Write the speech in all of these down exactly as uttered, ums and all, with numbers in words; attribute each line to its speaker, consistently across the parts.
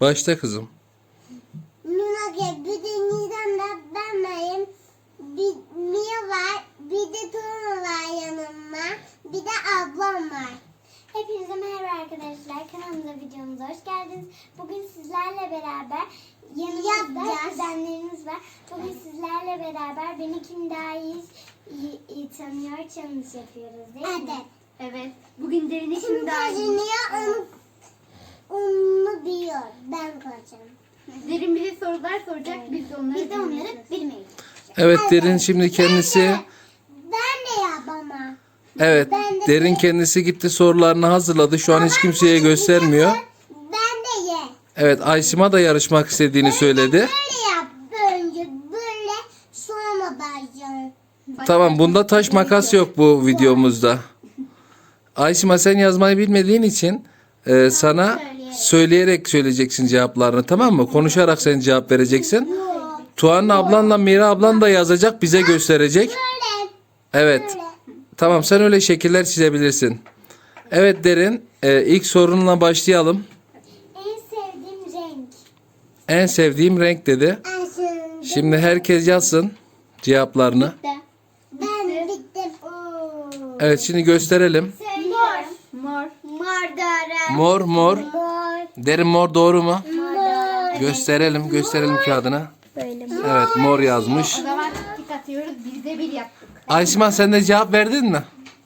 Speaker 1: Başla kızım.
Speaker 2: Nurage, bir de Nisan'da ben varım. Bir Mia var, bir de Tuğla var yanımda. Bir de ablam var. Hepinize merhaba arkadaşlar. Kanalımıza, videomuza hoş geldiniz. Bugün sizlerle beraber yanımızda kuzenlerimiz var. Bugün sizlerle beraber beni kim daha iyi, iyi, iyi tanıyor challenge yapıyoruz değil mi? Evet.
Speaker 3: Evet. Bugün Derin'i
Speaker 2: Kim
Speaker 3: kim daha iyi?
Speaker 2: kazanıyor onu, onu biliyor. Ben kazanacağım.
Speaker 3: Derin bize sorular soracak. Biz de onları
Speaker 2: Biz de onları
Speaker 3: bilmeyeceğiz.
Speaker 2: bilmeyiz.
Speaker 1: Evet, Derin şimdi kendisi.
Speaker 2: Ben de, ben de yap ama.
Speaker 1: Evet, Derin kendisi gitti, sorularını hazırladı. Şu an hiç kimseye göstermiyor.
Speaker 2: Ben de ye.
Speaker 1: Evet, Aysima da yarışmak istediğini söyledi.
Speaker 2: Böyle yap. Önce böyle sonra başlayalım.
Speaker 1: Tamam, bunda taş makas yok bu videomuzda. Aysima, sen yazmayı bilmediğin için e, sana söyleyerek söyleyeceksin cevaplarını, tamam mı? Konuşarak sen cevap vereceksin. Tuğan ablanla Mira ablan da yazacak, bize gösterecek.
Speaker 2: Böyle.
Speaker 1: Evet.
Speaker 2: Böyle.
Speaker 1: Tamam, sen öyle şekiller çizebilirsin. Evet Derin, e, ilk sorunla başlayalım.
Speaker 2: En sevdiğim renk.
Speaker 1: En sevdiğim renk dedi.
Speaker 2: En sevdiğim.
Speaker 1: Şimdi herkes yazsın cevaplarını.
Speaker 2: Ben bittim. Oo.
Speaker 1: Evet, şimdi gösterelim.
Speaker 2: Mor.
Speaker 3: Mor.
Speaker 2: Mor doğru.
Speaker 1: Mor mor.
Speaker 2: Mor.
Speaker 1: Derin mor doğru mu?
Speaker 2: Mor.
Speaker 1: Gösterelim, gösterelim kağıdına.
Speaker 2: Böyle.
Speaker 1: Evet, mor yazmış.
Speaker 3: O zaman tik atıyoruz. Biz de bir yaptık.
Speaker 1: Ayşima, sen de cevap verdin mi?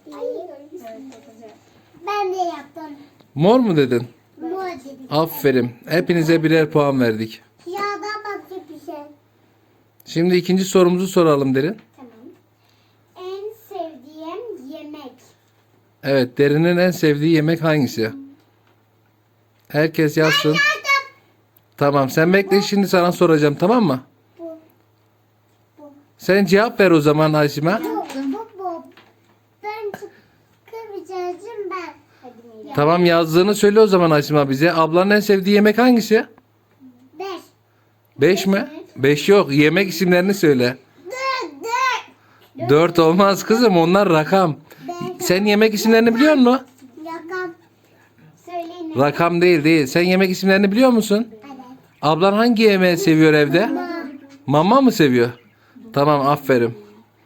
Speaker 2: Ben de yaptım.
Speaker 1: Mor mu dedin?
Speaker 2: Mor dedim.
Speaker 1: Aferin. Hepinize birer puan verdik.
Speaker 2: Ya da başka bir şey.
Speaker 1: Şimdi ikinci sorumuzu soralım Derin.
Speaker 2: Tamam. En sevdiğim yemek.
Speaker 1: Evet, Derin'in en sevdiği yemek hangisi? Herkes yazsın. Tamam, sen bekle, şimdi sana soracağım, tamam mı?
Speaker 2: Bu. Bu.
Speaker 1: Sen cevap ver o zaman Ayşima.
Speaker 2: Bu. Bu. Bu. Ben çıkabileceğim ben. Hadi Mira.
Speaker 1: Tamam, yazdığını söyle o zaman Ayşima bize. Ablanın en sevdiği yemek hangisi?
Speaker 2: Beş.
Speaker 1: Beş mi? Beş yok. Yemek isimlerini söyle.
Speaker 2: Dört. Dört.
Speaker 1: Dört olmaz kızım, onlar rakam.
Speaker 2: Beş.
Speaker 1: Sen yemek isimlerini biliyor musun?
Speaker 2: Yakam. Söyleyin.
Speaker 1: Rakam değil değil. Sen yemek isimlerini biliyor musun?
Speaker 2: Evet.
Speaker 1: Ablan hangi yemeği seviyor evde? Mama mı seviyor? Tamam, aferin.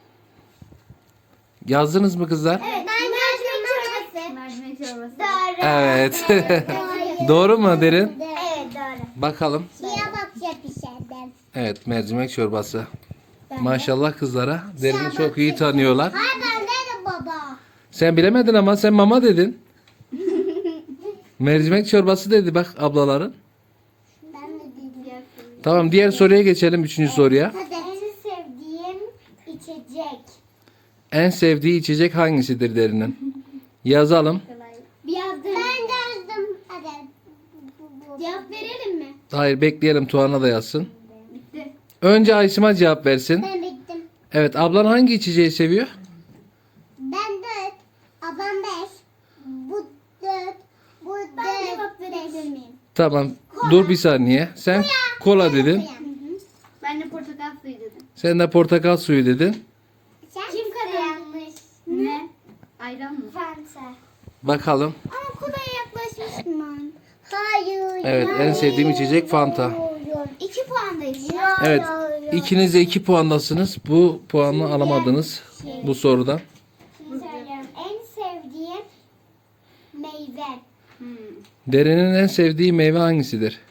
Speaker 1: Yazdınız mı kızlar?
Speaker 2: Evet. Ben mercimek çorbası.
Speaker 3: Mercimek çorbası.
Speaker 2: Doğru.
Speaker 1: Evet.
Speaker 2: Doğru.
Speaker 1: Doğru mu Derin?
Speaker 2: Evet doğru.
Speaker 1: Bakalım.
Speaker 2: Şuraya bak yapışırdım.
Speaker 1: Evet, mercimek çorbası. Maşallah kızlara. Derin'i çok iyi tanıyorlar.
Speaker 2: Hayır ben de baba.
Speaker 1: Sen bilemedin ama sen mama dedin. Mercimek çorbası dedi bak ablaların.
Speaker 2: Ben de dedim.
Speaker 1: Tamam, diğer soruya geçelim, üçüncü soruya.
Speaker 2: Hadi. En sevdiğim içecek.
Speaker 1: En sevdiği içecek hangisidir Derin'in? Yazalım.
Speaker 2: Bir yazdım. Ben yazdım. Hadi. Cevap verelim mi?
Speaker 1: Hayır, bekleyelim, Tuğan'a da yazsın.
Speaker 3: Bitti.
Speaker 1: Önce Ayşima cevap versin.
Speaker 2: Ben bittim.
Speaker 1: Evet, ablan hangi içeceği seviyor?
Speaker 2: Ben dört. Ablam beş. Bu dört. Bu dört. Ben cevap verebilir miyim?
Speaker 1: Tamam, dur bir saniye. Sen kola dedin.
Speaker 3: Ben de portakal suyu dedim.
Speaker 1: Sen de portakal suyu dedin.
Speaker 2: Kim kazanmış?
Speaker 3: Ne? Ayran mı?
Speaker 2: Fanta.
Speaker 1: Bakalım.
Speaker 2: Ama kolaya yaklaşmıştım ben. Hayır.
Speaker 1: Evet, en sevdiğim içecek Fanta.
Speaker 2: İki puandayız.
Speaker 1: Evet, ikiniz de iki puandasınız. Bu puanı alamadınız bu sorudan.
Speaker 2: Şimdi söylüyorum. En sevdiğim meyve.
Speaker 3: Hmm.
Speaker 1: Derin'in en sevdiği meyve hangisidir?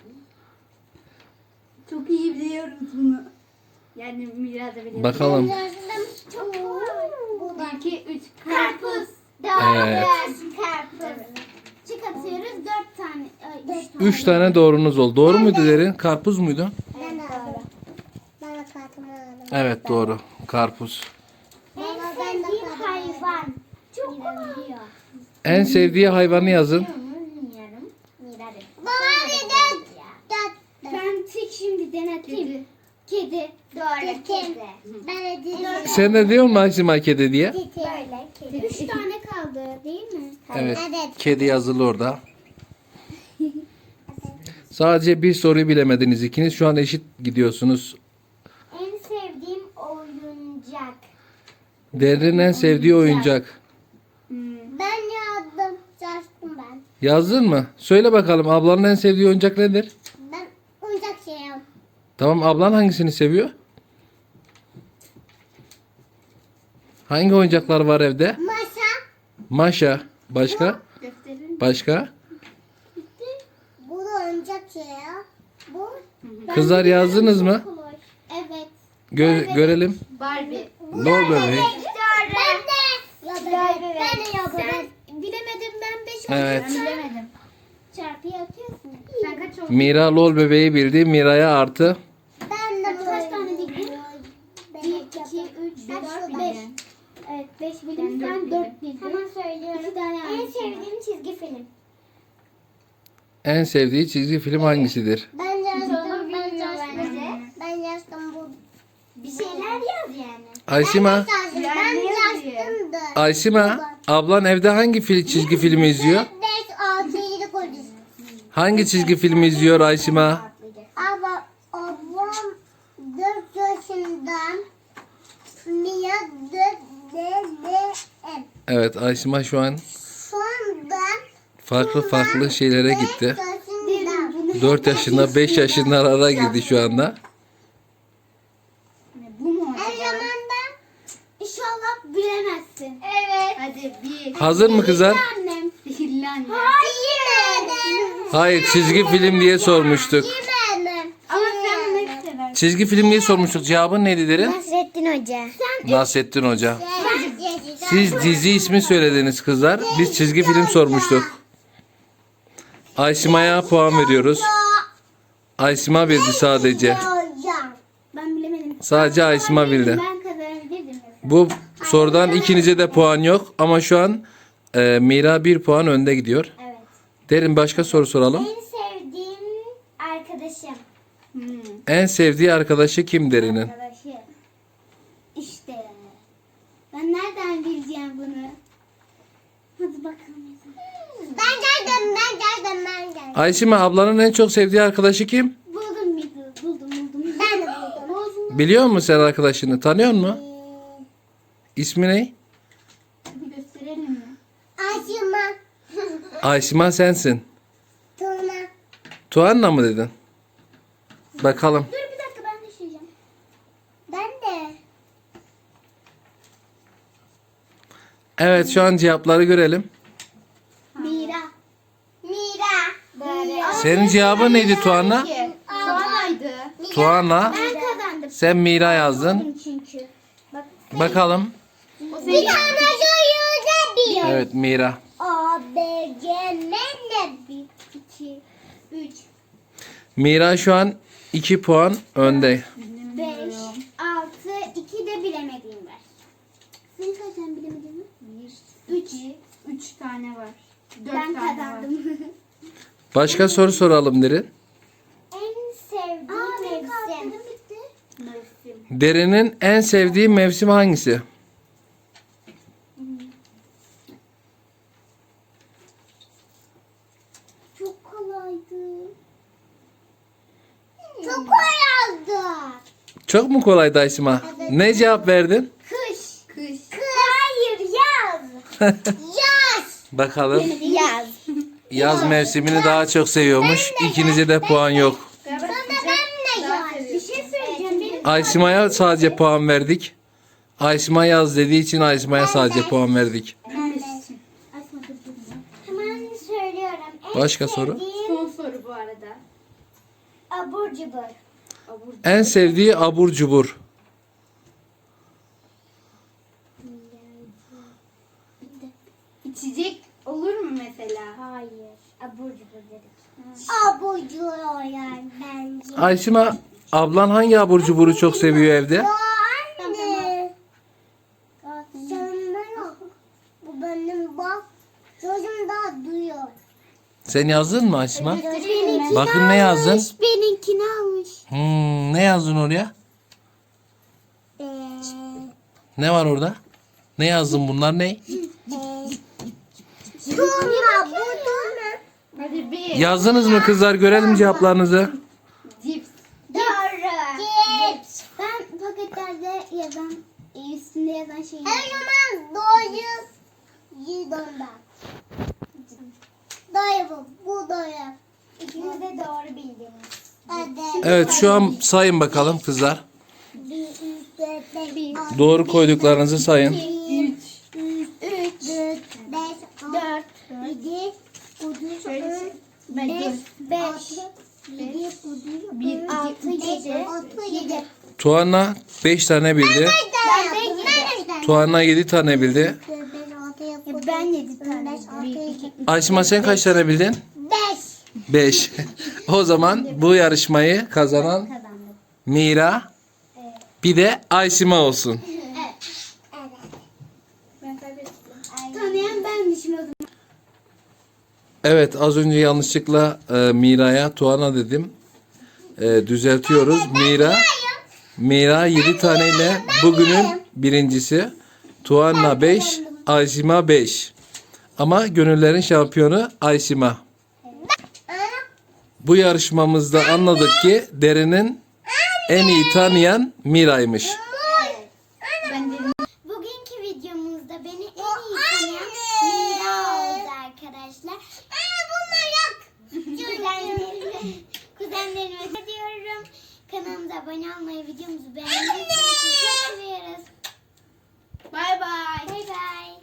Speaker 3: Çok iyi biliyoruz bunu. Yani Mira da biliyor.
Speaker 1: Bakalım.
Speaker 2: Çok kolay.
Speaker 3: Bir, iki, üç.
Speaker 2: Karpuz. Doğru.
Speaker 1: Evet.
Speaker 2: Karpuz. Çık atıyoruz dört tane. Ay, üç tane.
Speaker 1: Üç tane doğrunuz oldu. Doğru muydu Derin? Karpuz muydu?
Speaker 2: Ben de aldım. Ben de kartımı aldım.
Speaker 1: Evet, doğru. Karpuz.
Speaker 2: En sevdiğim hayvan. Çok kolay.
Speaker 1: En sevdiği hayvanı yazın.
Speaker 2: Bilmiyorum. Baba dedi.
Speaker 3: Ben tek şimdi deneteyim.
Speaker 2: Kedi. Doğru. Kedi. Ben de dedim.
Speaker 1: Sen de diyor musun Ayşima kedi diye?
Speaker 2: Böyle kedi. Üç tane kaldı değil mi?
Speaker 1: Evet. Kedi yazılı orada. Sadece bir soruyu bilemediniz ikiniz. Şu an eşit gidiyorsunuz.
Speaker 2: En sevdiğim oyuncak.
Speaker 1: Derin'in en sevdiği oyuncak.
Speaker 2: Ben yazdım. Yazdım ben.
Speaker 1: Yazdın mı? Söyle bakalım, ablanın en sevdiği oyuncak nedir?
Speaker 2: Ben seviyorum.
Speaker 1: Tamam, ablan hangisini seviyor? Hangi oyuncaklar var evde?
Speaker 2: Masa.
Speaker 1: Maşa. Başka?
Speaker 3: Gösterin.
Speaker 1: Başka?
Speaker 2: Bu da oyuncak şey ya. Bu.
Speaker 1: Kızlar yazdınız mı?
Speaker 2: Evet.
Speaker 1: Gö- görelim.
Speaker 3: Barbie.
Speaker 1: Lol bebeği.
Speaker 2: Ben de. Ya bebek. Ben de ya bebek. Bilemedim ben beş
Speaker 1: Evet.
Speaker 3: Ben bilemedim.
Speaker 2: çarpıyı atıyorsun.
Speaker 3: Sen kaç oldun?
Speaker 1: Mira lol bebeği bildi. Mira'ya artı.
Speaker 2: Ben de
Speaker 3: Kaç tane bildin?
Speaker 2: Bir, iki, üç,
Speaker 3: Dört
Speaker 2: beş.
Speaker 3: bildin.
Speaker 2: Evet, beş
Speaker 3: Ben
Speaker 2: bilim,
Speaker 3: dört
Speaker 2: sen
Speaker 3: bildim.
Speaker 2: dört bildin. Hemen söylüyorum.
Speaker 3: İki tane
Speaker 2: En
Speaker 3: yanlışım var.
Speaker 2: sevdiğim çizgi film.
Speaker 1: En sevdiği çizgi film hangisidir?
Speaker 2: Ben yazdım, ben
Speaker 3: bilmiyor
Speaker 2: yazdım.
Speaker 3: bence.
Speaker 2: Ben yazdım bu. Bir şeyler yaz yani.
Speaker 1: Ayşima.
Speaker 2: Ben yazdım, ben
Speaker 3: Yani yazıyor.
Speaker 2: yazdım da.
Speaker 1: Ayşima. Ablan evde hangi fil- çizgi filmi izliyor?
Speaker 2: beş, altı, yedi, dokuz.
Speaker 1: Hangi çizgi filmi izliyor Ayşima?
Speaker 2: Ama ablam dört yaşında. Mia dört dedem.
Speaker 1: Evet, Ayşima şu an
Speaker 2: Şu anda
Speaker 1: farklı farklı şeylere gitti.
Speaker 2: beş yaşında.
Speaker 1: dört yaşında beş yaşında arara girdi şu anda.
Speaker 3: Ne, Bu mu
Speaker 2: Her
Speaker 3: acaba?
Speaker 2: zaman da inşallah bilemezsin. Evet.
Speaker 3: Hadi bir.
Speaker 1: Hazır mı kızlar?
Speaker 2: Annem.
Speaker 3: Sihirli anne.
Speaker 2: Hayır.
Speaker 1: Hayır, çizgi film diye sormuştuk.
Speaker 2: Yemedim.
Speaker 3: Ama sen bunu hep seversin.
Speaker 1: Çizgi film diye sormuştuk. Cevabın neydi derin?
Speaker 2: Nasrettin Hoca.
Speaker 1: Nasrettin Hoca.
Speaker 2: Siz
Speaker 1: Siz dizi ismi söylediniz kızlar. Biz çizgi film sormuştuk. Ayşima'ya puan veriyoruz. Ayşima bildi sadece.
Speaker 3: Ben bilemedim.
Speaker 1: Sadece Ayşima bildi.
Speaker 3: Ben kazanabilirdim mesela.
Speaker 1: Bu sorudan ikinize de puan yok. Ama şu an e, Mira bir puan önde gidiyor.
Speaker 2: Evet.
Speaker 1: Derin, başka soru soralım.
Speaker 2: En sevdiğim arkadaşım.
Speaker 3: Hmm.
Speaker 1: En sevdiği arkadaşı kim Derin'in?
Speaker 2: Arkadaşı. İşte. Ben nereden bileceğim bunu? Hadi bakalım. Ben geldim, ben geldim, ben geldim.
Speaker 1: Ayşima, ablanın en çok sevdiği arkadaşı kim?
Speaker 2: Buldum bir buldum, buldum. Ben de buldum. Buldum.
Speaker 1: Biliyor musun sen arkadaşını? Tanıyor musun? İsmi ne?
Speaker 3: Bir gösterelim mi?
Speaker 2: Aşıma.
Speaker 1: Ayşima sensin.
Speaker 2: Tuna.
Speaker 1: Tuanna mı dedin? Bakalım.
Speaker 2: Dur bir dakika, ben düşeceğim. Ben de.
Speaker 1: Evet, şu an cevapları görelim.
Speaker 2: Mira. Mira. Mira.
Speaker 1: Senin cevabın neydi Tuanna?
Speaker 3: Soğanaydı.
Speaker 1: Tuana.
Speaker 2: Ben kazandım
Speaker 1: Sen Mira yazdın.
Speaker 2: çünkü. Bak.
Speaker 1: Bakalım.
Speaker 3: O
Speaker 2: Bir
Speaker 3: senin.
Speaker 2: tane soruda bir.
Speaker 1: Evet, Mira.
Speaker 2: A, B, C, N, N, bir, iki, üç,
Speaker 1: Mira şu an iki puan önde.
Speaker 2: beş, altı, iki de bilemediğim var. Senin kaç tane bilemediğin var?
Speaker 3: Bir, üç. Üç tane var. Dört
Speaker 2: Ben
Speaker 3: tane
Speaker 2: kazandım.
Speaker 1: Başka soru soralım Derin.
Speaker 2: En sevdiğim mevsim. bitti.
Speaker 3: var. Mevsim.
Speaker 1: Derin'in en sevdiği mevsim hangisi?
Speaker 2: Çok kolaydı. Çok kolaydı.
Speaker 1: Çok mu kolaydı Ayşima? Ne cevap verdin?
Speaker 2: Kış.
Speaker 3: Kış.
Speaker 2: Hayır, yaz. Yaz.
Speaker 1: Bakalım.
Speaker 2: Yaz.
Speaker 1: Yaz mevsimini daha çok seviyormuş. İkinize de puan yok.
Speaker 2: Sonra ben de yaz. Bir şey söyleyeceğim. Benim
Speaker 1: Ayşima'ya sadece puan verdik. Ayşima yaz dediği için Ayşima'ya sadece puan verdik.
Speaker 2: hemen söylüyorum. En
Speaker 1: Başka soru?
Speaker 2: sevdiğim
Speaker 3: Son soru bu arada.
Speaker 2: abur cubur.
Speaker 3: Abur.
Speaker 1: En sevdiği abur cubur.
Speaker 3: İçecek olur mu mesela?
Speaker 2: Hayır. Abur cubur dedik. Abur cubur yani bence.
Speaker 1: Ayşima, ablan hangi abur cuburu çok seviyor evde?
Speaker 2: Ya anne. Sende yok. Bu benim bak. Çocuğum daha duyuyor.
Speaker 1: Sen yazdın mı Ayşima?
Speaker 2: Benimkini
Speaker 1: Bakın ne yazdın?
Speaker 2: almış, benimkini almış.
Speaker 1: Hmm, ne yazdın oraya?
Speaker 2: Ee,
Speaker 1: Ne var orada? Ne yazdın, bunlar ne?
Speaker 2: Tuna bu Tuna.
Speaker 3: Hadi bir.
Speaker 1: Yazdınız mı kızlar? Görelim cevaplarınızı.
Speaker 3: Cips.
Speaker 2: Doğru. Cips. Ben paketlerde yazan, e, üstünde yazan şeyi... Her zaman doğru yudumda. Doğru bu. Bu doğru. İkiniz de doğru bildiniz.
Speaker 1: Evet şu an sayın bakalım kızlar.
Speaker 2: Bir, üç, dört, beş, altı,
Speaker 1: Doğru koyduklarınızı sayın.
Speaker 2: üç, üç, dört, beş, dört, yedi, sekiz,
Speaker 3: Şöyle ben
Speaker 2: beş,
Speaker 3: dur.
Speaker 2: beş, yedi,
Speaker 3: Bir, iki,
Speaker 2: altı,
Speaker 3: üç,
Speaker 2: yedi,
Speaker 3: dört,
Speaker 2: altı, yedi.
Speaker 1: Tuana beş tane bildi.
Speaker 2: Ben de yedi.
Speaker 1: Tuana yedi tane bildi.
Speaker 2: Ben yedi tane. Bir, iki,
Speaker 1: Aysima sen kaç tane bildin?
Speaker 2: beş.
Speaker 1: beş. O zaman bu yarışmayı kazanan
Speaker 2: Kazandım.
Speaker 1: Mira bir de Aysima olsun.
Speaker 2: Evet.
Speaker 3: Ben kaybettim.
Speaker 2: Tanıyan benmişim o zaman.
Speaker 1: Evet az önce yanlışlıkla e, Mira'ya Tuana dedim. E, düzeltiyoruz. Mira Mira yedi taneyle bugünün birincisi. Tuana beş, Aysima beş. Ama gönüllerin şampiyonu Aysima. Bu yarışmamızda anladık ki Derin'in en iyi tanıyan Mira'ymış.
Speaker 3: Ben dedim.
Speaker 2: Bugünkü videomuzda beni en iyi tanıyan Mira oldu arkadaşlar. Aa, bunlar yok. Kuzenlerime, kuzenlerime diyorum. Kanalımıza abone olmayı, videomuzu beğenmeyi çok seviyoruz.
Speaker 3: Bay bay.
Speaker 2: Bay bay.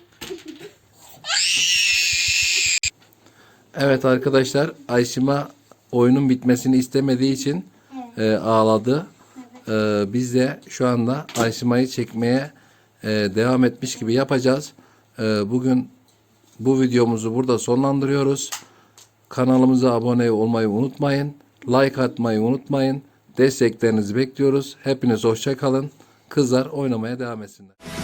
Speaker 1: Evet arkadaşlar Aysima oyunun bitmesini istemediği için e, ağladı. E, biz de şu anda Aysima'yı çekmeye e, devam etmiş gibi yapacağız. E, bugün bu videomuzu burada sonlandırıyoruz. Kanalımıza abone olmayı unutmayın. Like atmayı unutmayın. Desteklerinizi bekliyoruz. Hepiniz hoşça kalın. Kızlar oynamaya devam etsinler.